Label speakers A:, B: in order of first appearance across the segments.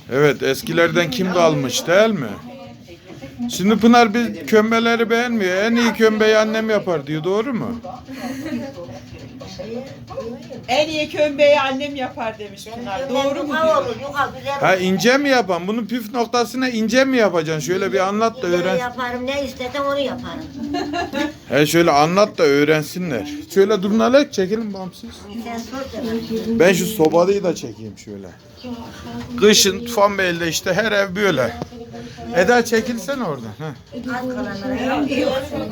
A: Evet, eskilerden kim kalmış değil mi? Şimdi Pınar biz kömbeleri beğenmiyor. En iyi kömbeyi annem yapar diyor. Doğru mu?
B: En iyi kömbeyi annem yapar demiş Pınar. Doğru mu diyor?
A: Ha ince mi yapan? Bunun püf noktasına ince mi yapacaksın? Şöyle bir anlat da öğren.
C: Yaparım, ne istesem onu yaparım.
A: He şöyle anlat da öğrensinler. Şöyle durun Alek çekelim bağımsız.
C: Sen sor da.
A: Ben şu sobalıyı da çekeyim şöyle. Kışın Tufanbeyli'de işte her ev böyle. Eda çekilsene oradan. Heh.
C: Az kalanlara yok.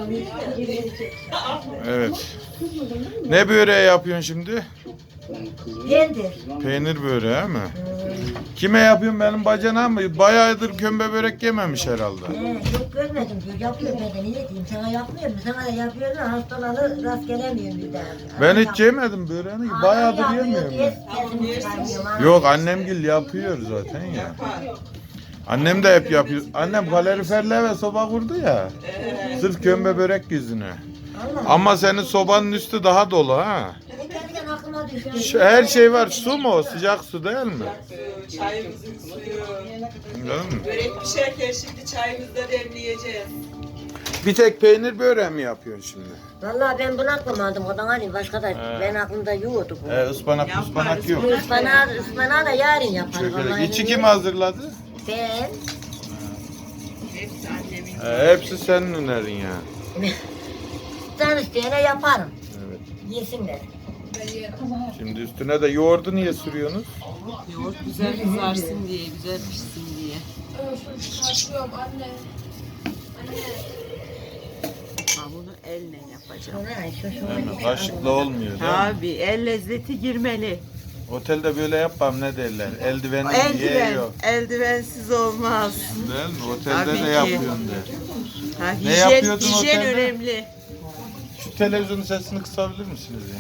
A: Evet. Ne böreği yapıyorsun şimdi?
C: Yendir.
A: Peynir böreği mi? Kime yapıyorsun benim bacana mı? Bayağıdır kömbe börek yememiş herhalde.
C: Çok görmedim diyor. Yapıyor ben de niye diyeyim. Sana yapmıyor mu? Sana da yapıyor da hastalanır rast gelemiyorum bir daha.
A: Ben hiç yemedim böreğini. Bayağıdır yemiyorum ben. Yok annemgil yapıyor zaten ya. Annem de hep yapıyor. Annem kaloriferle ve soba kurdu ya. Sırf kömbe börek yüzüne. Ama senin sobanın üstü daha dolu ha.
C: Kendiden aklıma düştü.
A: Her şey var. Su mu o? Sıcak su değil mi?
B: Çayımızın suyu.
A: Değil mi?
B: Börek pişerken şimdi çayımızı da demleyeceğiz.
A: Bir tek peynir böreği mi yapıyorsun şimdi?
C: Vallahi ben bunu aklamadım. O da hani başka da ben aklımda yoğurdu bu.
A: Ispanak yok.
C: Ispanağı da yarın yaparım.
A: Şöyle içi kim hazırladı?
C: Ben.
B: Hepsi annemin.
A: Hepsi senin önerin ya.
C: Sen isteyene yaparım.
A: Evet.
C: Yesinler.
A: Şimdi üstüne de yoğurdu niye sürüyorsunuz?
B: Yoğurt güzel kızarsın diye, güzel pişsin diye.
D: Kaçıyorum anne. Anne.
B: Ha bunu elle yapacağım.
A: Değil mi? Kaşıkla olmuyor değil mi?
B: Tabii el lezzeti girmeli.
A: Otelde böyle yapmam ne derler? Eldivenli diye
B: Eldiven,
A: yok.
B: eldivensiz olmaz.
A: Değil mi? Otelde
B: Tabii
A: de
B: ki.
A: yapıyorsun der.
B: Ha,
A: Ne
B: hijyen,
A: yapıyordun
B: hijyen
A: otelde?
B: önemli.
A: Şu televizyonun sesini kısabilir misiniz ya?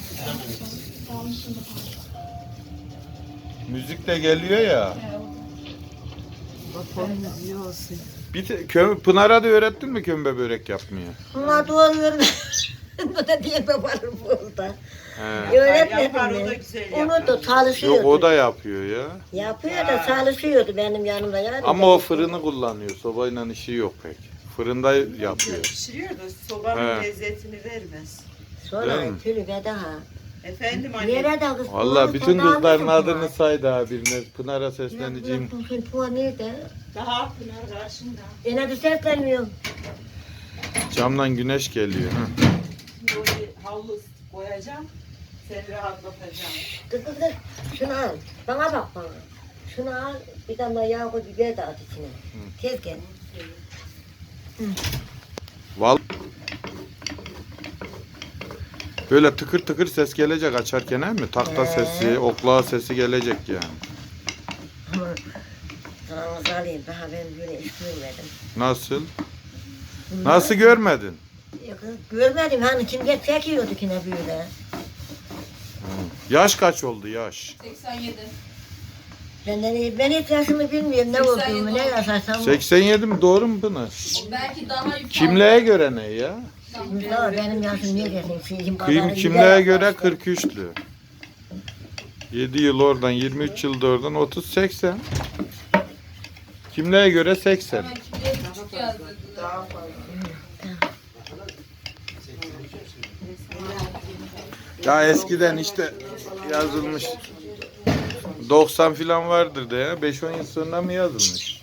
A: Müzik de geliyor ya.
B: Bakalım müziği olsun.
A: Pınar'a da öğrettin mi kömbe börek yapmayı?
C: Bunlar doğru. Bu da diye babarım burada.
A: He.
C: Öğretmedim
B: Yapar, o da
C: ben.
B: güzel
C: Onu
B: yapar.
C: da çalışıyordu.
A: Yok o da yapıyor ya.
C: Yapıyor da çalışıyordu benim yanımda yani.
A: Ama o fırını kullanıyor. Sobayla işi yok pek. Fırında yapıyor.
B: Pişiriyor da sobanın
A: He.
B: lezzetini vermez.
C: Sonra
A: Değil mi?
C: tülü ve daha.
B: Efendim anne.
C: Nerede kız?
A: Valla bütün
C: Puan
A: kızların
C: almadın mı?
A: adını saydı ha birine. Pınar'a sesleneceğim.
C: Puan nerede?
B: Daha Pınar karşında.
C: Yine de seslenmiyorum.
A: Camdan güneş geliyor. Ha.
B: Böyle havlu koyacağım. Seni rahatlatacağım.
C: Kız kız kız. Şunu al. Bana bak bana. Şunu al. Bir tane daha yağ koy biber de at içine. Tez gel.
A: Val Böyle tıkır tıkır ses gelecek açarken he mi? Takta sesi, oklağa sesi gelecek yani.
C: Ama kanalınızı alayım. Daha ben böyle iş görmedim.
A: Nasıl? Nasıl görmedin?
C: Yok, görmedim hani kim çekiyordu yine böyle.
A: Yaş kaç oldu yaş?
D: 87.
C: Ben hiç yaşımı bilmiyorum ne olduğumu ne yaşarsam.
A: 87 mi? Doğru mu Pınar?
D: Belki daha yukarı.
A: Kimliğe göre ne ya?
C: Mustafa benim yaşım ne desin? Şeyim pazarı
A: Kimliğe
C: gider
A: göre
C: yapmıştı.
A: 43'lü. 7 yıl oradan, 23 yıl da oradan, 30-80. Kimliğe göre 80.
D: Hemen kimliğe küçük yazdı.
B: Daha fazla.
A: Ya eskiden işte yazılmış 90 filan vardır da ya. 5-10 yıl sonra mı yazılmış?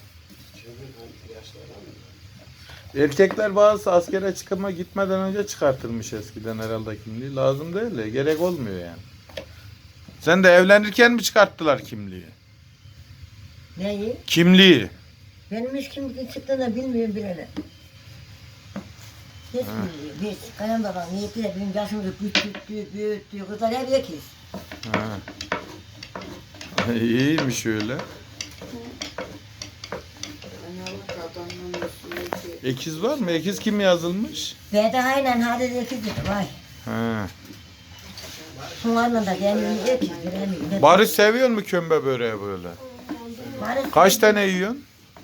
A: Erkekler bazısı askere çıkıma gitmeden önce çıkartılmış eskiden herhalde kimliği. Lazım değil de gerek olmuyor yani. Sen de evlenirken mi çıkarttılar kimliği?
C: Neyi?
A: Kimliği.
C: Benim hiç kim çıktığını bilmiyorum bilene. Hiç bilmiyorum. Hiç. Kayan babam niyetiyle benim yaşımda büyüttü. Kızlar hep ekiz.
A: Ha. İyiymiş öyle. Ekiz var mı? Ekiz kim yazılmış?
C: Ve de aynen hadi ekizdi. Vay.
A: Ha.
C: Sunlarla da kendini ekiz. Bilemiyorum.
A: Barış seviyor mu kömbe böreği böyle? Kaç tane yiyorsun?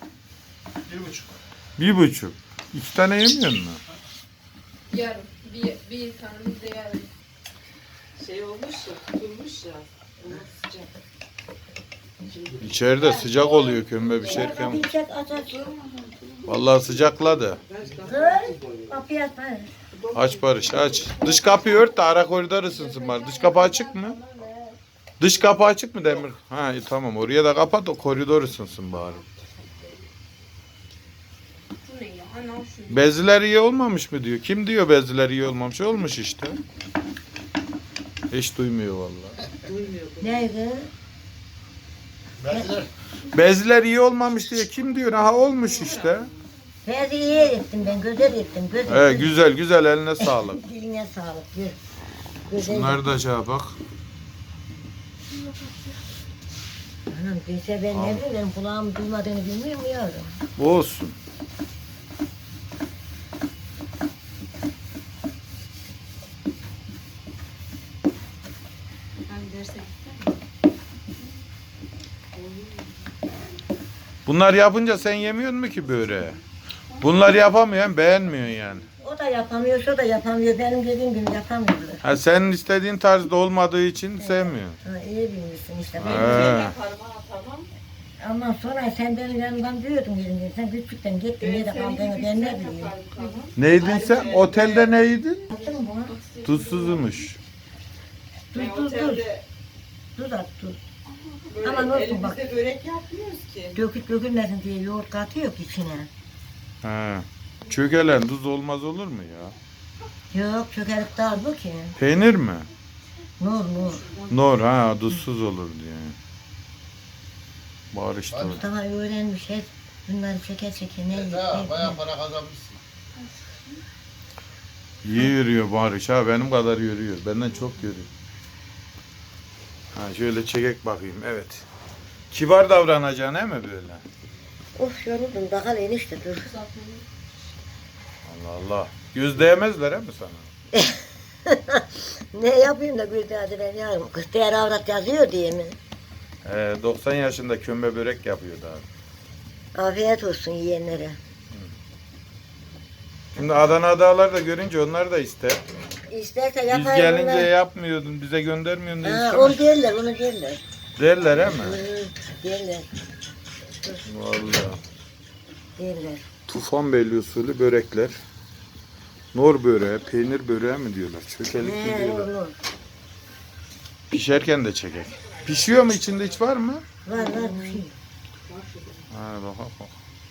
A: 1,5. 1,5. 2 tane yemiyor musun?
D: Yarım. Bir tane de yarım.
B: Şey olmuş ya, tutulmuş ya. Ona sıcak.
A: İçeride sıcak oluyor kömbe pişerken.
C: Kapıyı çek aç aç.
A: Vallahi sıcakladı.
C: Kız kapıyı aç.
A: Aç Barış aç. Dış kapıyı ört de ara koridor ısınsın bari. Dış kapı açık mı? Dış kapı açık mı Demir? Ha iyi, tamam oraya da kapat o koridor ısınsın bari.
D: Bu ne ya? Ana şu.
A: Beziler iyi olmamış mı diyor. Kim diyor beziler iyi olmamış? Olmuş işte. Hiç duymuyor vallahi.
C: Neydi?
A: Beziler iyi olmamış diye kim diyor? Aha olmuş işte.
C: Fezi iyi ettim ben, güzel ettim.
A: Güzel güzel eline sağlık.
C: Diline sağlık. Güzel.
A: Bunlar da şey bak.
C: Anam bilse ben ne bileyim, kulağım duymadığını bilmiyor mu yavrum?
A: Bu olsun. Bunlar yapınca sen yemiyorsun mu ki böreği? Bunlar yapamıyorsun, beğenmiyorsun yani.
C: O da yapamıyor, şu da yapamıyor. Benim dediğim gibi yapamıyorlar.
A: Ha senin istediğin tarzda olmadığı için sevmiyorsun.
C: Ha, iyi bilmişsin işte.
A: Ha.
B: Yaparım ha, tamam.
C: Ondan sonra sen benim yanımdan diyordun yerimde. Sen küçükten gittin, nerede kaldığını ben ne bileyim.
A: Neydin sen? Otelde neydin?
C: Attın mı buna?
A: Tuzsuzmuş.
B: Ben
C: Dur.
B: otelde
C: Tuz at tuz.
B: böyle
C: Aman olsun bak.
B: elimizde börek yapmıyoruz ki.
C: Dökülmesin diye yoğurt katıyor ki içine.
A: Ha. Çökelen tuz olmaz olur mu ya?
C: Yok çökerip dağıl bu ki.
A: Peynir mi?
C: Nur.
A: Nor ha tuzsuz olur diye. Barıştı.
C: Mustafa öğrenmiş hep bunları çeke ne yiyip
E: Bayağı para kazanmışsın.
A: İyi yürüyor Barış ha benim kadar yürüyor. Benden çok yürüyor. Ha şöyle çekek bakayım evet. Kibar davranacaksın he mi böyle?
C: Of yoruldum daha enişte dur.
A: Allah Allah. Göz değmezler he mi sana?
C: Ne yapayım da bir daha ben yarım. Kız değer avrat yazıyor diye mi?
A: 90 yaşında kömbe börek yapıyor daha.
C: Afiyet olsun yiyenlere.
A: Şimdi Adana dağlar da görünce onlar da ister.
C: İsterse
A: Biz
C: yapayım
A: gelince
C: bunlar.
A: yapmıyordun, bize göndermiyorsun diye
C: Ha,
A: istemez.
C: onu derler, onu derler.
A: Derler he mi?
C: Derler,
A: Vallahi.
C: derler.
A: Tufanbeyli usulü börekler. Nor böreği, peynir böreği mi diyorlar? Çökelik mi diyorlar?
C: Olur.
A: Pişerken de çekek. Pişiyor mu içinde hiç var mı?
C: Var bir şey.
A: Ha bak.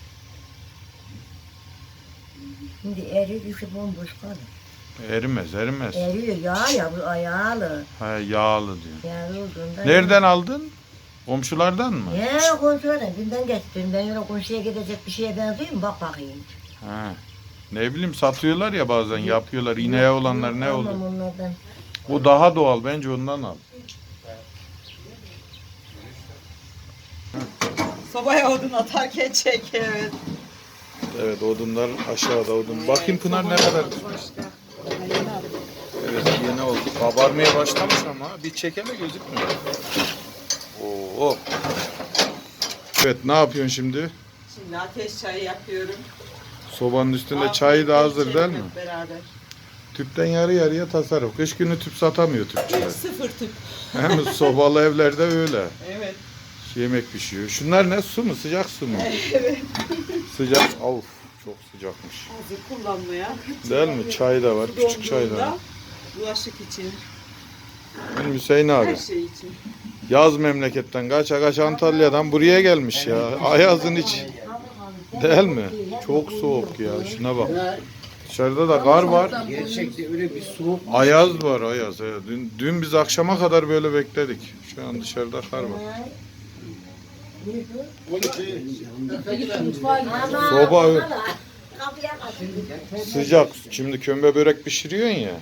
C: Şimdi eriyor, içi bomboş kalır.
A: Erimez.
C: Eriyor, ya bu ayağlı.
A: Ha yağlı diyor.
C: Yağlı olduğunda.
A: Nereden aldın? Komşulardan mı?
C: Ya komşulardan günden getirdim. Ben öyle komşuya gidecek bir şeye benziyor mu? Bak bakayım.
A: Ha. Ne bileyim satıyorlar ya bazen yapıyorlar. İneğe olanlar ne
C: Almam
A: oldu?
C: onlardan.
A: O daha doğal bence ondan al.
B: Sobaya odun atarken çek evet.
A: Evet odunlar aşağıda odun. Bakayım Pınar ne kadar. Evet yeni oldu. Kabarmaya başlamış ama bir çekeme gözükmüyor. Oo. Evet ne yapıyorsun şimdi?
B: Şimdi ateş çayı yapıyorum.
A: Sobanın üstünde çayı da hazır değil mi?
B: Hep beraber.
A: Tüpten yarı yarıya tasarruf. Kış günü tüp satamıyor tüpçüler.
B: Sıfır tüp.
A: Hem sobalı evlerde öyle.
B: Evet.
A: Yemek pişiyor. Şunlar ne su mu? Sıcak su mu?
B: Evet.
A: Sıcak. Of çok sıcakmış.
B: Hazır kullanmaya.
A: Değil mi? Çay da var. Küçük çay da var.
B: Donduğunda bulaşık için,
A: Benim Hüseyin abi.
B: her şey için.
A: Yaz memleketten kaç Antalya'dan buraya gelmiş ya. Ayazın iç. Değil mi? Çok soğuk ya. Şuna bak. Dışarıda da kar var.
E: Gerçekte öyle bir soğuk.
A: Ayaz var ayaz. Evet. Dün biz akşama kadar böyle bekledik. Şu an dışarıda kar var. Soba sıcak. Şimdi kömbe börek pişiriyorsun ya.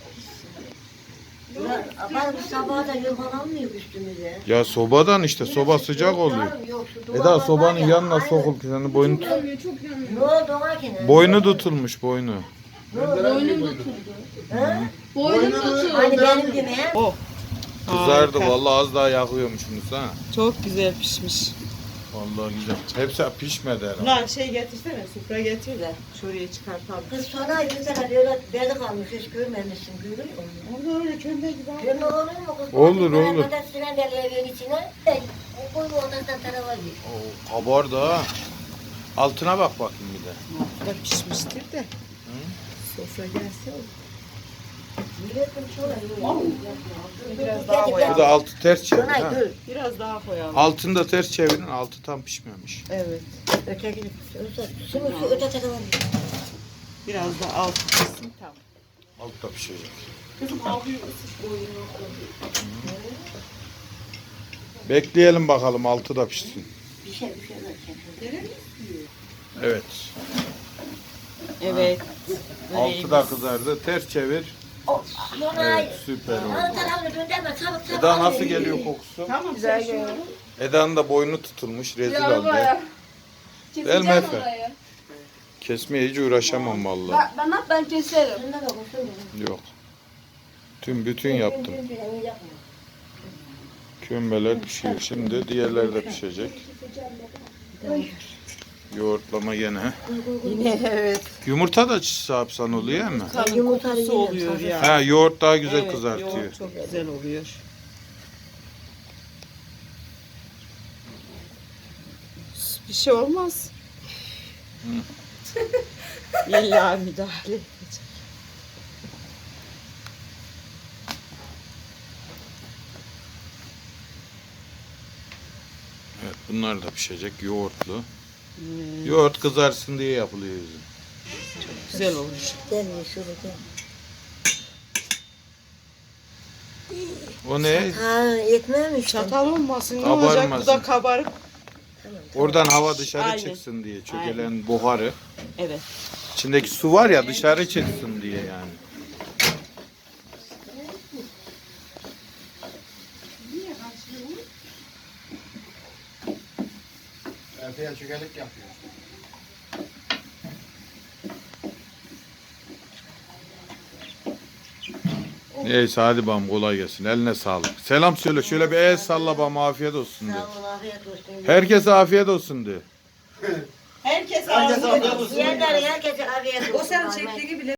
C: Ama bu sabah da yuvalanmıyor üstümüze.
A: Ya sobadan işte soba sıcak oluyor. Eda sobanın yanına sokul ki senin boynu
D: Yanıyor, çok yanıyor.
C: Ne oldu ona ki?
A: boynu tutulmuş boynu.
D: Boynum tutuldu.
C: Ha?
D: Boynum tutuldu.
C: Hani benim gibi he?
B: Oh.
A: Kızardı
B: Harika.
A: vallahi az daha yakıyormuşsunuz ha.
B: Çok güzel pişmiş.
A: Vallahi güzel. Hepsi pişmedi herhalde.
B: Pınar şey getirsene, sufra getir de şuraya çıkartalım.
C: Kız sonra bir tane böyle bezi kalmış, hiç görmemişsin, görüyor musun?
B: Onu öyle kömbe gibi al.
C: Görme olur mu kız?
A: Olur, olur.
C: Ben sürendeli evin içine, o koyma odasından tarafa gir.
A: Oo, kabardı ha. Altına bak bakayım bir de.
B: Da pişmiştir de. Sofra gelse olur.
C: Milletin şöyle
B: Biraz daha
A: Bu
B: koyalım.
A: da altı ters çevir ha.
C: Şuna dur.
B: Biraz daha koyalım.
A: Altını da ters çevirin. Altı tam pişmemiş.
B: Evet.
C: Öteki, şimdi şu öte tarafa gir.
B: Biraz da altı pişsin tamam.
A: Alt da pişecek.
B: Kızım abi ısıt boyunu.
A: Bekleyelim bakalım altı da pişsin.
C: Bir şeyler çekiyor.
A: Evet.
B: Evet.
A: Altı da kızardı. Ters çevir.
C: Şuna
A: Evet, süper oldu.
C: Alt tarafını döndürme, çabuk çabuk.
A: Eda nasıl geliyor kokusu?
B: Tamam güzel geliyor.
A: Eda'nın da boynu tutulmuş. Rezil
D: Ya
A: oldu.
D: baba.
A: Değil mi
D: Keseceğim
A: Efe?
D: orayı.
A: Kesmeye hiç uğraşamam vallahi.
D: Ben keserim.
C: Şuna da koşun.
A: Yok. Bütün yaptım. Kömbeler pişiyor. Şimdi diğerleri de pişecek. Yoğurtlama gene.
B: Yine evet.
A: Yumurta da yapsan oluyor mu?
B: Kanın
C: Yumurta
B: kokusu
C: yiyelim,
B: oluyor
C: sadece.
B: ya.
A: Ha, yoğurt daha güzel
B: Evet,
A: kızartıyor.
B: yoğurt çok güzel oluyor. Bir şey olmaz. İlla müdahale edecek.
A: Evet, bunlar da pişecek yoğurtlu. Yoğurt kızarsın diye yapılıyor yüzüm.
B: Güzel olur.
C: Gel şurada gel.
A: O ne?
C: Ha etmemiş.
B: Çatal olmasın ne
A: Kabarmasın.
B: olacak? Bu da kabarık.
A: Oradan hava dışarı
B: Aynen.
A: çıksın diye. Çökelen buharı.
B: Evet.
A: İçindeki su var ya dışarı çıksın diye yani.
E: Erteye çökelik yapıyor.
A: Neyse hadi bam kolay gelsin. Eline sağlık. Selam söyle. Şöyle bir el salla bam afiyet olsun de.
C: Sağ ol, afiyet olsun.
A: Herkese afiyet olsun de.
B: Herkes
E: Herkes
B: ağzına
E: afiyet olsun.
C: Yiyenlerin herkese afiyet olsun.
B: O sen çektiği gibi